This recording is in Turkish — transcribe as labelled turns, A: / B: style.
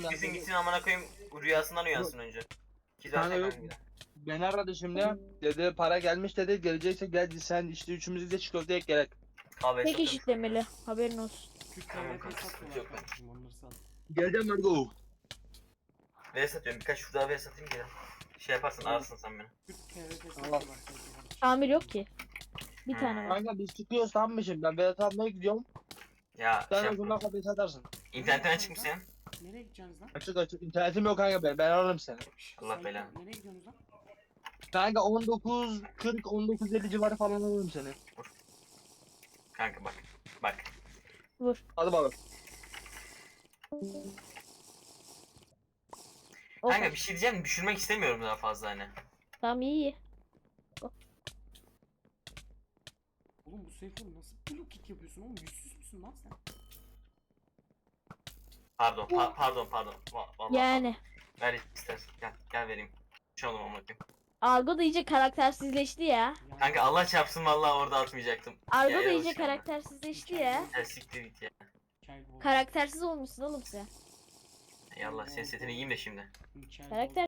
A: ya.
B: Siktirsin gitsin amına koyayım rüyasından uyansın önce.
A: Kanka yok. Beni aradı şimdi. Dedi para gelmiş dedi. Gelecekse gel sen işte üçümüz de çikolata ek gerek.
B: Abi
C: Tek eşitlemeli. Haberin olsun.
D: Türk
B: Tamam,
D: TRT
B: sıkıntı
D: satıyorlar
B: yok.
D: kardeşim onları sat.
A: Geleceğim Margo.
B: V satıyorum birkaç şurada V satayım ki. Şey yaparsın ararsın sen beni.
D: Türk TRT
A: Allah.
D: satıyorlar kardeşim.
C: Tamir yok ki. Bir tane var.
A: Kanka biz çıkıyoruz tamam mı şimdi? Ben Vedat abime gidiyorum.
B: Ya
A: Sen
B: şey
A: o zaman
B: yapma.
A: kapıyı satarsın.
B: İnternetten çıkmış senin.
D: Nereye gideceksiniz lan?
A: Açık açık. İnternetim yok kanka ben. Ben ararım seni.
D: Şşş,
B: Allah
D: sayın-
B: belanı.
D: Nereye gidiyorsunuz lan?
A: Kanka 19.40 19.50 civarı falan alırım seni.
B: Kanka bak. Bak.
C: Vur.
A: Hadi bakalım.
C: O
B: Kanka bir şey diyeceğim düşürmek istemiyorum daha fazla hani.
C: Tamam iyi.
D: Oğlum bu Seyfur nasıl blue kick yapıyorsun oğlum? Yüzsüz müsün lan sen?
B: Pardon pardon. Vallahi
C: Yani.
B: pardon. Ver istersen gel vereyim. Şu an amına koyayım.
C: Argo da iyice karaktersizleşti ya.
D: Yani
B: Kanka Allah çarpsın vallahi orada atmayacaktım.
C: Argo
B: Ya,
C: da iyice
B: yanlış yaptım.
C: karaktersizleşti ya.
B: Ya siktir git ya.
D: Mikael Wolf.
C: Karaktersiz olmuşsun oğlum sen.
B: Yallah senin setini yiyeyim de şimdi.
D: Mikael
C: Karakter